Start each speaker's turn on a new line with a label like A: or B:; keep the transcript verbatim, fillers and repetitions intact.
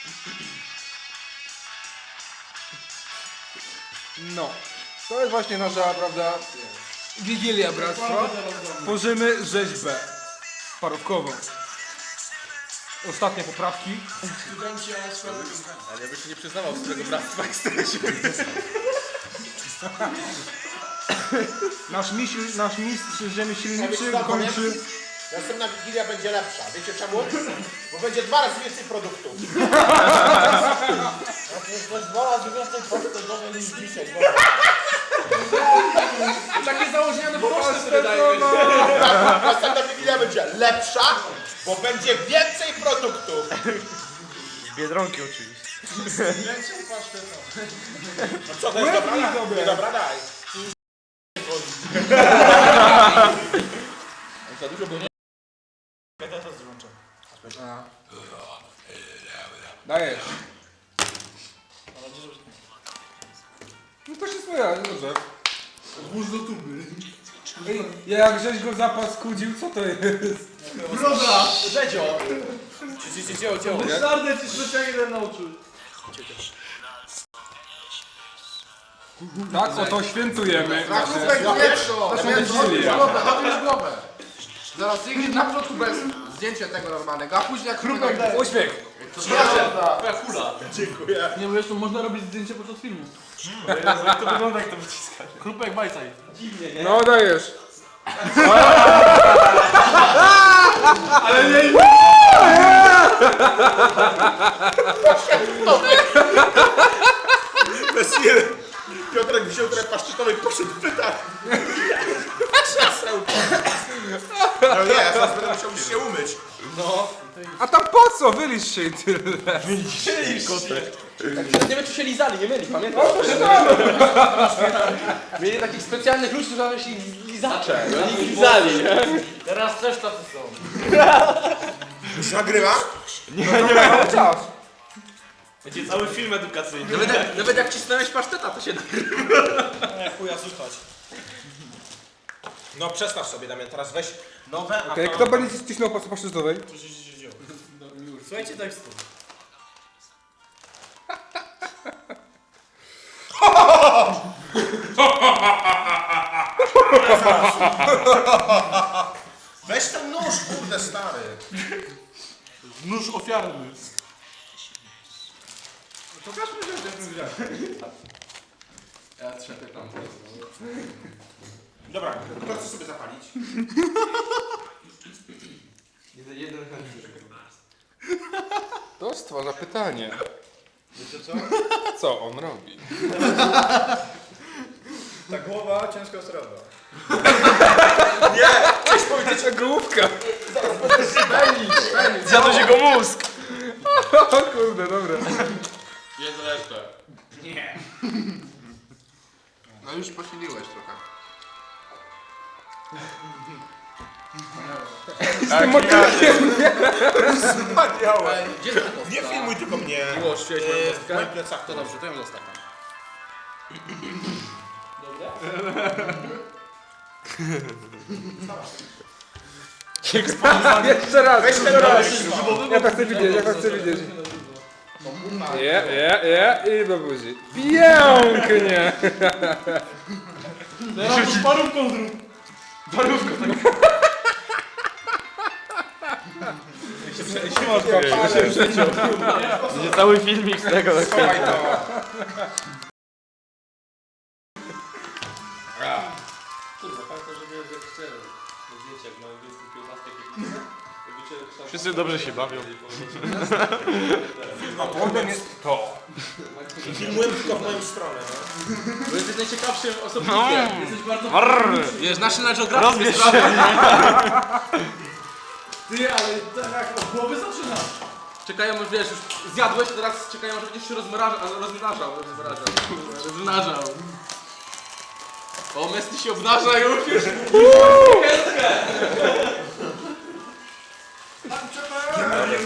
A: No, to jest właśnie nasza, prawda, Wigilia Bractwa. Tworzymy rzeźbę parówkową. Ostatnie poprawki.
B: Ale ja bym się nie przyznawał z tego bractwa, jak jesteś.
A: Nasz mistrz, nasz mistrz rzemieślniczy
C: Ja powiem,
A: kończy...
C: Następna Wigilia będzie lepsza. Wiecie czemu? Bo będzie dwa razy więcej produktów. To jest dwa razy więcej produktów niż dzisiaj.
B: Takie założenia na proste wydaje mi się.
C: Następna Wigilia będzie lepsza, bo będzie więcej produktów.
B: Z Biedronki oczywiście.
C: Więcej pasztetów. No co, to jest dobra? Nie, dobra, daj.
B: Za dużo było.
A: Dajesz. No to się swoja, dobrze.
D: Włóż do tuby.
A: Ej, jak żeś go zapaskudził, co to jest?
D: Broda!
C: Rzedzio.
B: Dzieło, dzieło.
D: Szardę ci specjalnie ten nauczył.
A: Tak, oto świętujemy.
E: Krupek, zjedz to! Odbierz głowę, odbierz głowę! Zaraz idzie na początku bez zdjęcia tego normalnego, a później jak krupek daj.
A: Uśmiech.
B: Twoja kula.
C: Dziękuję.
D: Nie, bo jeszcze można robić zdjęcie podczas filmu.
B: Jak to wygląda, jak to wyciskasz?
D: Krupek, bajcaj.
A: No dajesz.
D: Ale nie...
C: Bez jeden. Piotrek wziął trochę paszczytowej, poszedł w pytach. No nie, ja teraz będę musiał już się umyć.
A: A tam po co? Wylisz się i tyle.
B: Nie wiem, czy się lizali, nie mieli, pamiętasz? Mieli takich specjalnych ludzi, którzy nazywają się lizacze. I oni ich lizali, nie?
D: Teraz też tacy są.
C: Już nagrywa?
A: Czas.
B: Będzie cały film edukacyjny. Nawet, nawet jak cisnąłeś paszteta, to się da.
C: Nie, chuja słuchać. No przestaw sobie, Damian, teraz weź nowe, a
A: Okej,
C: to...
A: kto będzie cisnął po paszczyznowej?
D: Słuchajcie tekstu.
C: Weź ten nóż, kurde stary.
D: Nóż ofiarny.
E: Ja trzepię tam.
C: Dobra, kto chce sobie zapalić?
A: To stwarza pytanie. Wiecie co? Co on robi?
C: Ta głowa ciężko sroba.
A: Ta główka.
B: Zjadł się go mózg.
A: O kurde, dobra.
B: Jest resztę.
E: No już posiliłeś trochę.
A: Z tym motylkiem.
C: Wspaniałe.
B: Gdzie jest ta kostka?
C: Nie filmuj tylko mnie.
B: Miłość, chciałeś moją
C: Yy, w
B: kostkę?
C: moim plecach
B: To dobrze, to ją zostawiam.
A: Jeszcze raz.
C: Weź ten raz.
A: Ja to chcę widzieć, ja to chcę widzieć. Je, je, je i do buzi. Pięknie.
D: Teraz już parówką zrób.
B: Będzie cały filmik z tego.
C: Schowaj to.
B: Wszyscy dobrze się bawią.
C: A potem jest to. Filmuję tylko w moją stronę, no.
B: Bo jesteś najciekawszym osobnikiem.
D: Jesteś bardzo...
B: Wiesz, National Geographic jest
D: Ty, ale tak od głowy zaczynasz.
B: Czekają, aż wiesz, już zjadłeś, teraz czekają, aż będziesz się rozmrażał, rozmnażał, rozmrażał, rozmnażał. O, Messi się obnaża już, już. Kęskę!